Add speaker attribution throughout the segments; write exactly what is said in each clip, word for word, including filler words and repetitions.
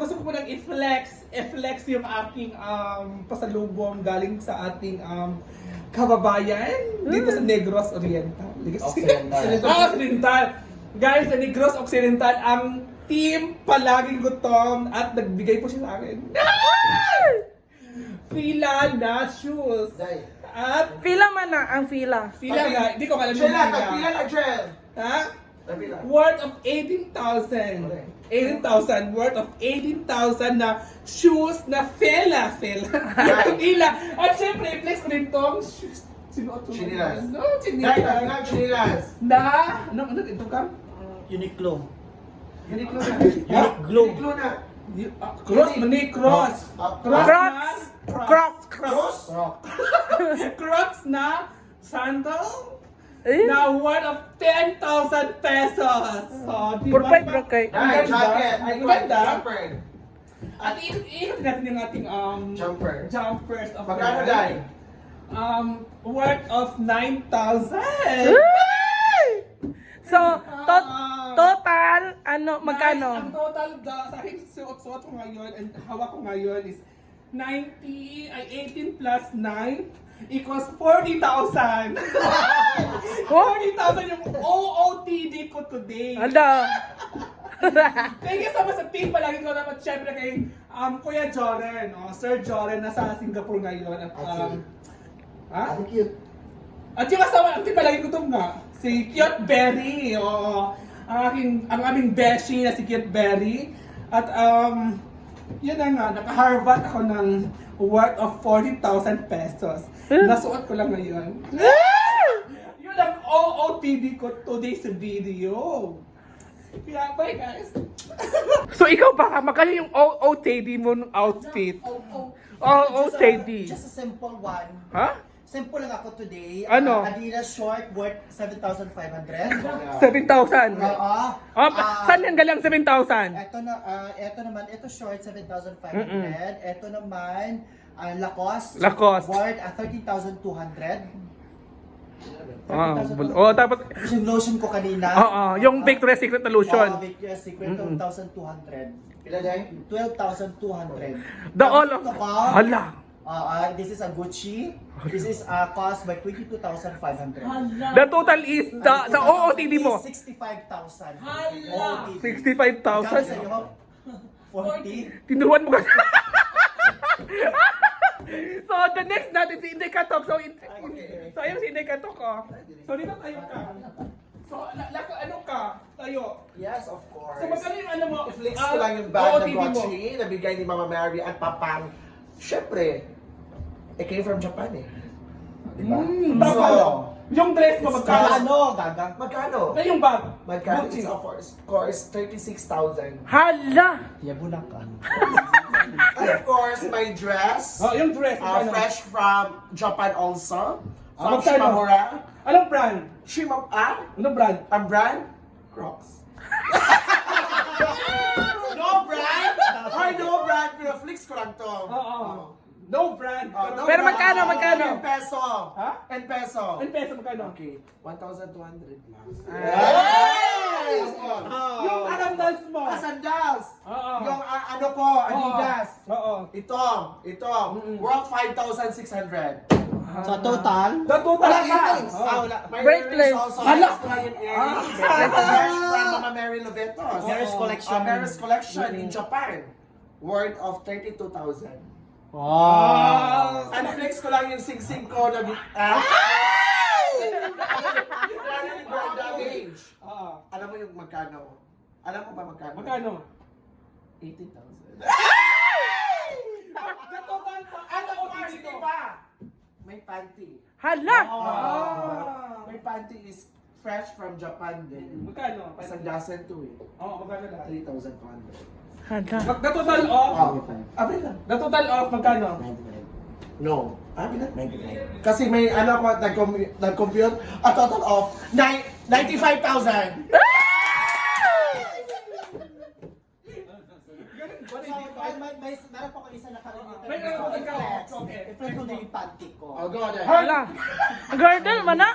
Speaker 1: gusto ko munang i-flex, i-flex yung aking um, pasalubong galing sa ating um, kababayan dito sa Negros Oriental.
Speaker 2: Occidental.
Speaker 1: Ah, Occidental. Guys, sa Negros Occidental, ang team palaging gutom at nagbigay po siya sa akin. Fila na shoes.
Speaker 2: Day.
Speaker 1: At
Speaker 3: Fila man na ang fila.
Speaker 1: fila nga, hindi ko alam yung
Speaker 2: Jela,
Speaker 1: fila.
Speaker 2: tagpila na, Jel.
Speaker 1: Ha?
Speaker 2: Tagpila.
Speaker 1: Worth of eighteen thousand.
Speaker 2: Okay.
Speaker 1: eighteen thousand. Worth of eighteen thousand na shoes na fela. Fela.
Speaker 2: Right.
Speaker 1: Fila. At syempre, flex ko rin tong shoes. Sinuot ko.
Speaker 2: Chinilas.
Speaker 1: No,
Speaker 2: Day,
Speaker 1: chinilas.
Speaker 2: tagpila, chinilas.
Speaker 1: Na, ano, ano, ito ka?
Speaker 4: Uniqlo.
Speaker 2: Uniqlo na.
Speaker 1: Ha?
Speaker 4: Glow.
Speaker 2: Uniqlo na.
Speaker 1: Y- ah, cross, mani, cross.
Speaker 2: Ah,
Speaker 1: Cross
Speaker 3: Crocs.
Speaker 1: na.
Speaker 3: Crocs.
Speaker 1: Cross.
Speaker 2: Rock.
Speaker 1: Crocs na sandal.
Speaker 3: Eh?
Speaker 1: Na worth of ten thousand pesos. So, di
Speaker 3: Pur
Speaker 1: ba?
Speaker 3: five bro kay.
Speaker 1: Ang
Speaker 2: Day,
Speaker 1: ganda.
Speaker 2: jacket. Ay,
Speaker 1: Ang ganda.
Speaker 2: jumper.
Speaker 1: At i-ikot natin yung ating um,
Speaker 2: Jumper.
Speaker 1: jumpers of
Speaker 2: Magkano,
Speaker 1: the
Speaker 2: Day?
Speaker 1: Um, worth of nine thousand.
Speaker 3: So, to- total, ano, magkano?
Speaker 1: Ang total da, sa akin suot-suot ko ngayon and hawak ko ngayon is ninety, ay eighteen plus nine equals forty thousand. forty thousand yung O O T D ko today.
Speaker 3: Ala.
Speaker 1: Thank you so much sa team. Palagi ko dapat syempre kay um, Kuya Joren, oh, Sir Joren, nasa Singapore ngayon. At, um, ha?
Speaker 2: Ang cute.
Speaker 1: At yung kasama, ang team palagi ko itong nga, si Cute Berry. Oo. Ang aking, ang aming beshi na si Cute Berry. At um, yun na nga, naka-Harvard ako ng worth of forty thousand pesos. Nasuot ko lang ngayon. Yun ang O O T D ko today's video. Kaya bye guys.
Speaker 3: So, ikaw baka magkano yung O O T D mo ng outfit?
Speaker 4: Oh, oh.
Speaker 3: O O T D.
Speaker 4: Just a simple one.
Speaker 3: Ha?
Speaker 4: Simple lang ako today.
Speaker 3: Ano?
Speaker 4: Uh, Adidas short worth seven thousand five hundred.
Speaker 3: seven thousand.
Speaker 4: Oo.
Speaker 3: Oh,
Speaker 4: Ah,
Speaker 3: saan yung galang seven thousand?
Speaker 4: Ito na, ah, ito naman, ito short seven thousand five hundred. Ito naman, ah, Lacoste.
Speaker 3: Lacoste.
Speaker 4: Worth uh, thirteen thousand two hundred.
Speaker 3: Ah, bul- oh, tapos,
Speaker 4: Yung lotion ko kanina.
Speaker 3: oo, yung Victoria's Secret na
Speaker 4: Oh,
Speaker 3: lotion.
Speaker 4: Victoria's Secret, twelve thousand two hundred.
Speaker 2: Pila, Day?
Speaker 4: twelve thousand two hundred.
Speaker 3: The all of,
Speaker 4: Ito pa,
Speaker 3: hala.
Speaker 4: ah, ah, this is a Gucci. This is uh, cost by twenty-two thousand five hundred.
Speaker 3: The total is, the, sa O O T D mo,
Speaker 4: sixty-five thousand.
Speaker 5: Hala!
Speaker 3: sixty-five thousand.
Speaker 4: forty.
Speaker 3: Tinuruan mo ka. So, the next natin si Inday Katok. So, in, so ayun si Inday Katok, oh.
Speaker 1: So dito tayo ka. So, la- lako ano ka? Tayo.
Speaker 2: Yes, of course.
Speaker 1: So magkano yung ano mo?
Speaker 2: I-flex
Speaker 1: Ah,
Speaker 2: ko lang yung
Speaker 1: O O
Speaker 2: bag
Speaker 1: T
Speaker 2: ng
Speaker 1: D mo.
Speaker 2: Gucci na bigay ni Mama Mary at Papang. Siyempre, it came from Japan eh. Diba?
Speaker 1: Mm,
Speaker 2: So,
Speaker 1: magkano? Yung dress mo magkano?
Speaker 4: Ano, gaga?
Speaker 2: magkano?
Speaker 1: Na yung bag?
Speaker 2: Magkano?
Speaker 1: Gucci.
Speaker 2: It's of course, course thirty-six thousand.
Speaker 3: Hala.
Speaker 4: Yabulan ka.
Speaker 2: And of course, my dress,
Speaker 1: Oh, yung dress
Speaker 2: uh,
Speaker 1: magkano?
Speaker 2: fresh from Japan also.
Speaker 1: Ah,
Speaker 2: From
Speaker 1: magkano?
Speaker 2: Shimamura.
Speaker 1: Anong brand?
Speaker 2: Shima, ah?
Speaker 1: Anong brand?
Speaker 2: Ang brand?
Speaker 1: Crocs.
Speaker 2: No brand! Ay, no brand! Pero flex ko lang to.
Speaker 1: Oo. No brand.
Speaker 2: Oh, no
Speaker 3: Pero
Speaker 2: brand.
Speaker 3: magkano, magkano?
Speaker 2: En peso.
Speaker 1: Ha?
Speaker 2: En peso.
Speaker 1: Ano peso magkano?
Speaker 2: Okay, one thousand two hundred lang.
Speaker 1: Yes!
Speaker 2: Oh.
Speaker 1: Yung arandals mo.
Speaker 2: Ah, sandals!
Speaker 1: Oo.
Speaker 2: Yung ah, ano ko, Adidas.
Speaker 1: Oo.
Speaker 2: Ito, ito, worth five thousand six hundred.
Speaker 4: So, total?
Speaker 1: The total
Speaker 2: Wala
Speaker 1: ka.
Speaker 2: earrings.
Speaker 1: Oo.
Speaker 2: Ah, wala. My
Speaker 3: Breakless.
Speaker 2: earrings also.
Speaker 1: Hala.
Speaker 2: Extra yung earrings. Fresh from Mama Mary Lovetos.
Speaker 4: Mary's collection.
Speaker 2: Ah, Mary's collection in Japan. Worth of thirty-two thousand.
Speaker 1: Ah.
Speaker 2: Ano flex ko lang yung sing-sing ko na bit. Ah! Ano yung Brenda Gage?
Speaker 1: Oo.
Speaker 2: Alam mo yung magkano? Alam mo ba magkano?
Speaker 1: Magkano?
Speaker 2: eighteen thousand.
Speaker 1: The total pa. Ano O T D ko?
Speaker 2: May panty.
Speaker 3: Hala.
Speaker 1: Ah.
Speaker 2: May panty is fresh from Japan din.
Speaker 1: Magkano?
Speaker 2: Isang dozen to eh.
Speaker 1: Oo, magkano lahat?
Speaker 2: three thousand two hundred.
Speaker 3: Hala.
Speaker 1: Mag- The total of?
Speaker 2: Ah, Abay lang.
Speaker 1: The total of magkano?
Speaker 2: No. Ah, ilan? Kasi may ano ako, nag-com- nag-compute, a total of nine- ninety-five thousand.
Speaker 4: So, five months may, meron pa ko isa na kalimitan.
Speaker 1: May meron pa ka.
Speaker 4: I-flex.
Speaker 1: Okay.
Speaker 4: I-flex ko na yung panty ko.
Speaker 2: Oh, go on.
Speaker 3: Hala. Girdle man na.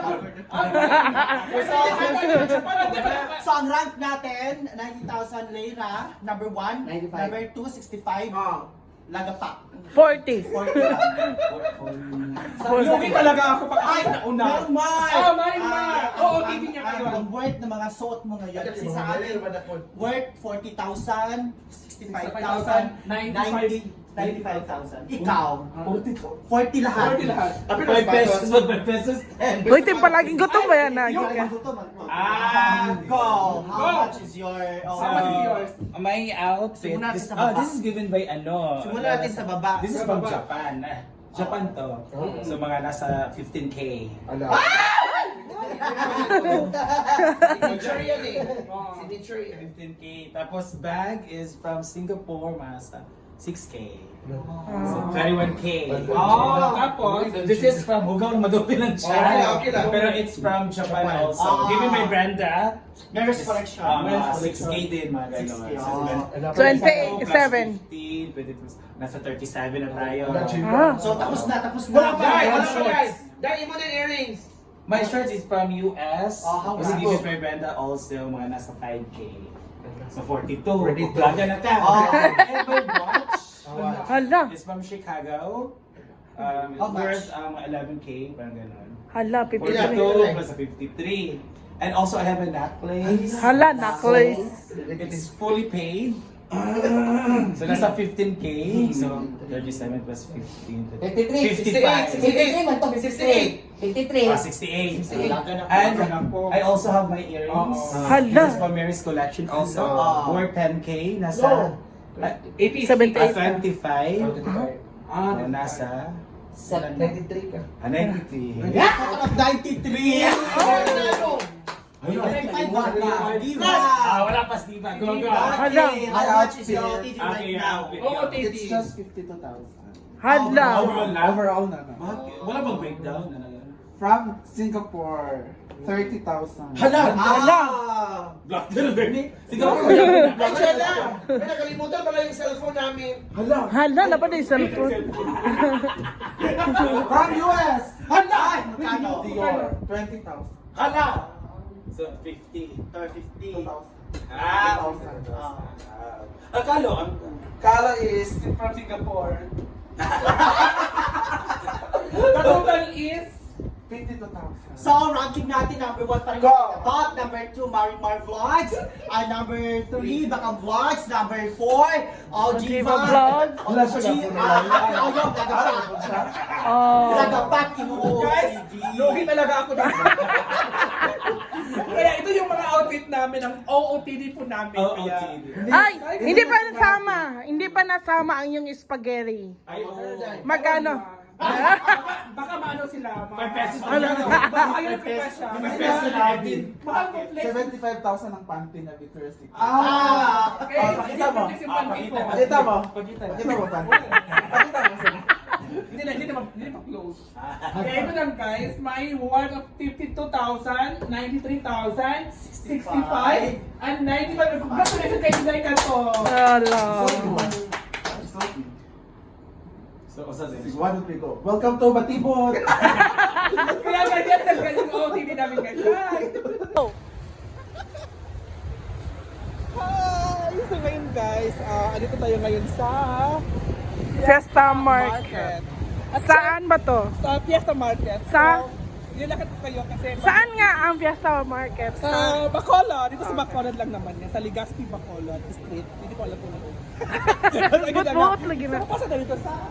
Speaker 4: So, ang rank natin, ninety thousand lira, number one.
Speaker 2: ninety-five.
Speaker 4: Number two, sixty-five.
Speaker 2: Ah.
Speaker 4: Lagapak.
Speaker 3: forty.
Speaker 4: forty lang.
Speaker 1: Lugi talaga ako pag
Speaker 4: Ay,
Speaker 1: nauna.
Speaker 4: Ma'am Mark!
Speaker 1: Ah, Ma'am Mark!
Speaker 4: Ah,
Speaker 1: Oo,
Speaker 4: ang-
Speaker 1: T V niya
Speaker 4: ang-
Speaker 1: ngayon.
Speaker 4: Ang worth ng mga suot mo ngayon. Kasi sa akin, worth forty thousand, sixty-five thousand, ninety, ninety-five thousand. Ikaw, forty lahat.
Speaker 1: forty lahat.
Speaker 2: five pesos, five pesos.
Speaker 3: Uy, tim palaging gutom ba yan?
Speaker 4: Yung
Speaker 3: Naging ka.
Speaker 4: gutom, ano?
Speaker 5: Ah,
Speaker 4: Go! How
Speaker 1: Go.
Speaker 4: much is your... oh,
Speaker 1: How much is yours?
Speaker 5: My outfit,
Speaker 4: Simula natin
Speaker 5: this,
Speaker 4: sa
Speaker 5: oh,
Speaker 4: baba.
Speaker 5: this is given by ano.
Speaker 4: Simula natin sa baba.
Speaker 5: This is
Speaker 1: Sa
Speaker 5: from
Speaker 1: baba.
Speaker 5: Japan. Ah, Japan to. So mga nasa fifteen K.
Speaker 2: Ala. Signature yan eh. Signature yan.
Speaker 5: fifteen K. Tapos bag is from Singapore, mga six K. So twenty-one K.
Speaker 1: Oh, tapos,
Speaker 5: So this is from Hugaw na madobi lang siya.
Speaker 2: Okay, okay lang.
Speaker 5: Pero it's from Japan,
Speaker 2: Japan.
Speaker 5: also.
Speaker 4: Ah.
Speaker 5: Given by Brenda.
Speaker 4: Men's collection.
Speaker 5: Um,
Speaker 4: Men's
Speaker 5: six K din, mga
Speaker 4: six
Speaker 5: gano'n.
Speaker 4: K,
Speaker 5: So,
Speaker 4: oh.
Speaker 3: twenty-seven.
Speaker 5: fifteen, twenty-two, nasa thirty-seven na tayo.
Speaker 3: Ah.
Speaker 4: So, tapos na, tapos na.
Speaker 2: Wala pa,
Speaker 5: Guys,
Speaker 2: wala pa
Speaker 5: shorts.
Speaker 2: guys. Dahil mo na yung earrings.
Speaker 5: My shirts is from U S.
Speaker 4: Oh, how
Speaker 5: Kasi
Speaker 4: much?
Speaker 5: given by Brenda also, mga nasa five K. So forty-two.
Speaker 2: forty-two.
Speaker 5: Plaga na ka.
Speaker 4: Oh.
Speaker 5: And my watch
Speaker 3: Hala.
Speaker 5: is from Chicago. Um,
Speaker 4: How much?
Speaker 5: worth um, eleven K, parang gano'n.
Speaker 3: Hala,
Speaker 5: forty-two
Speaker 3: fifty-three.
Speaker 5: plus a fifty-three. And also I have a necklace.
Speaker 3: Hala, necklace.
Speaker 5: It is fully paid. So nasa fifteen K. So thirty-seven plus fifteen.
Speaker 2: fifty-three,
Speaker 5: fifty-five.
Speaker 2: sixty-eight, man to, fifty-eight. fifty-three.
Speaker 5: Ah, sixty-eight.
Speaker 4: Plaga na.
Speaker 5: And
Speaker 1: Plaga na po.
Speaker 5: I also have my earrings.
Speaker 1: Oo.
Speaker 3: Hala.
Speaker 5: This is from Mary's collection also.
Speaker 4: Oo.
Speaker 5: Worth ten K. Nasa ah,
Speaker 1: eighty.
Speaker 3: seventy-eight.
Speaker 5: ah, twenty-five.
Speaker 1: Ah,
Speaker 5: Ah, nasa
Speaker 2: ninety-three ka.
Speaker 5: ah, ninety-three.
Speaker 4: Out of ninety-three.
Speaker 2: Oh!
Speaker 4: ninety-five ba? Diva.
Speaker 5: Ah, wala pa Steve. Go, go.
Speaker 3: Hala.
Speaker 4: Okay, how much is your outfit
Speaker 5: Okay,
Speaker 4: right
Speaker 5: yeah,
Speaker 4: now?
Speaker 5: outfit.
Speaker 1: Oo, T V.
Speaker 2: It's just fifty-two thousand.
Speaker 3: Hala.
Speaker 5: Overall na.
Speaker 2: Overall na na.
Speaker 5: Bakit? Wala bang breakdown? Ano lang?
Speaker 2: From Singapore, thirty thousand.
Speaker 5: Hala!
Speaker 3: Hala.
Speaker 5: Black na Bernie. Sige ako.
Speaker 2: Diyan na! May nakalimutan pala yung cellphone namin.
Speaker 5: Hala.
Speaker 3: Hala, laban na yung cellphone.
Speaker 2: From U S!
Speaker 4: Hala! Magkano?
Speaker 2: Dior, twenty thousand.
Speaker 5: Hala. So, fifty.
Speaker 4: fifty.
Speaker 5: Ah,
Speaker 4: Ah.
Speaker 5: Akalo, ang
Speaker 2: Kala is
Speaker 1: From Singapore. The total is
Speaker 2: fifty-two thousand.
Speaker 4: So, ranking natin, number one pa rin
Speaker 2: Go.
Speaker 4: yung top, number two, Marimar Vlogs, and number three, Bakang Vlogs, number four, Algiva
Speaker 3: Algiva Vlog.
Speaker 2: Wala siya
Speaker 4: G-
Speaker 2: gapon
Speaker 4: ah,
Speaker 2: na
Speaker 4: ah, oh, yung Lagapak.
Speaker 3: Oh.
Speaker 4: Lagapak, inuo.
Speaker 1: Guys, lugi talaga ako dito. Kaya ito yung mga outfit namin, ang O O T D po namin.
Speaker 5: O O
Speaker 1: Kaya,
Speaker 5: T D.
Speaker 3: Ay, hindi pa nasama. Hindi pa nasama ang yung spaghetti.
Speaker 5: Ay, oo.
Speaker 3: Magkano?
Speaker 1: baka, baka maano sila. Mga,
Speaker 5: Five pesos
Speaker 1: Ano,
Speaker 5: lang.
Speaker 1: baka ayun pa siya.
Speaker 5: Five pesos natin.
Speaker 1: Mahal ko flex.
Speaker 2: seventy-five thousand ang panty na Victoria's Secret.
Speaker 4: Ah!
Speaker 1: Okay,
Speaker 2: Oh, pakita mo.
Speaker 1: flex yung
Speaker 5: Ah,
Speaker 1: panty ko.
Speaker 2: Pakita mo.
Speaker 5: Pakita.
Speaker 2: Pakita mo panty. Pakita mo sir.
Speaker 1: Hindi na, hindi na, ma- hindi na ma-close. Kaya ito lang guys, may worth of fifty-two thousand, ninety-three thousand, sixty-five, and ninety-five. Congratulations kay Inday Canto.
Speaker 3: Hala.
Speaker 5: So, usa din.
Speaker 2: Sige, one, two, three, go. Welcome to Batibot!
Speaker 1: Kaya ganyan talaga yung O O T D namin guys. Hi! Hi! So ngayon guys, uh, andito tayo ngayon sa
Speaker 3: Fiesta Market.
Speaker 1: At
Speaker 3: Saan ba to?
Speaker 1: sa Fiesta Market.
Speaker 3: Sa-
Speaker 1: So, nilakad ko kayo kasi
Speaker 3: Saan nga ang Fiesta Market?
Speaker 1: Sa Bacolod, dito sa Bacolod lang naman yan, sa Legazpi Bacolod Street. Hindi ko alam kung ano.
Speaker 3: But-but lagi na.
Speaker 1: So, papasa na dito sa...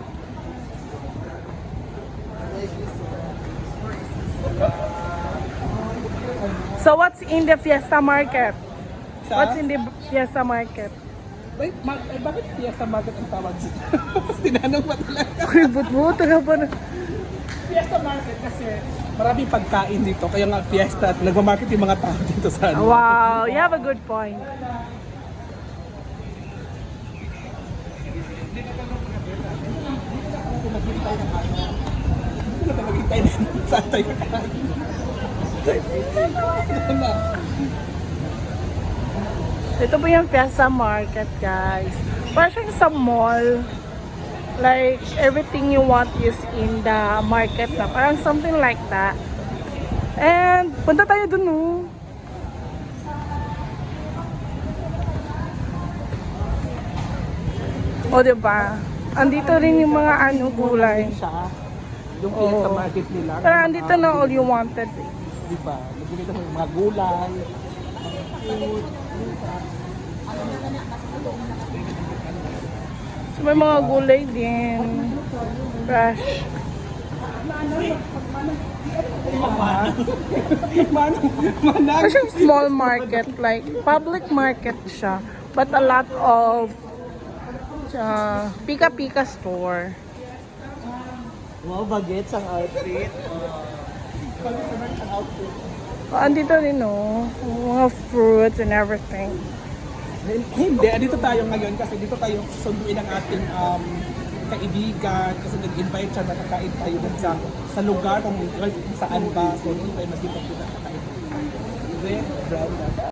Speaker 3: So what's in the Fiesta Market?
Speaker 1: sa
Speaker 3: What's in the Fiesta Market?
Speaker 1: Wait, ma- eh, bakit Fiesta Market ang tawag dito? Tinanong ba talaga?
Speaker 3: Uy, but-but ka ba na?
Speaker 1: Fiesta Market kasi maraming pagkain dito. Kaya nga Fiesta at nagmamarket yung mga tao dito sa ano.
Speaker 3: Wow, you have a good point.
Speaker 1: Hindi na maghintay na saan tayo kakain. Ano na?
Speaker 3: Ito po yung Fiesta Market, guys. Parang siyang sa mall. Like, everything you want is in the market na. Parang something like that. And, punta tayo dun, oh. O, diba? Andito rin yung mga ano, gulay.
Speaker 1: Siya. Yung
Speaker 3: Oo.
Speaker 1: oh. sa market nila.
Speaker 3: Pero andito na all you wanted.
Speaker 1: Di ba? Nagbili ka ng mga gulay.
Speaker 3: So, may mga gulay din. Fresh.
Speaker 1: Manang, manang.
Speaker 3: Kasi small market, like public market siya. But a lot of uh, pika-pika store.
Speaker 4: Wow, bagets ang outfit.
Speaker 3: Oh, andito rin, oh. Mga fruits and everything.
Speaker 1: Hindi, dito tayo ngayon kasi dito tayo susunduin ang ating um, kaibigan kasi nag-invite siya na kakain tayo dun sa, sa lugar kung saan ba. So, dito tayo magkita kita kakain. Red, brown,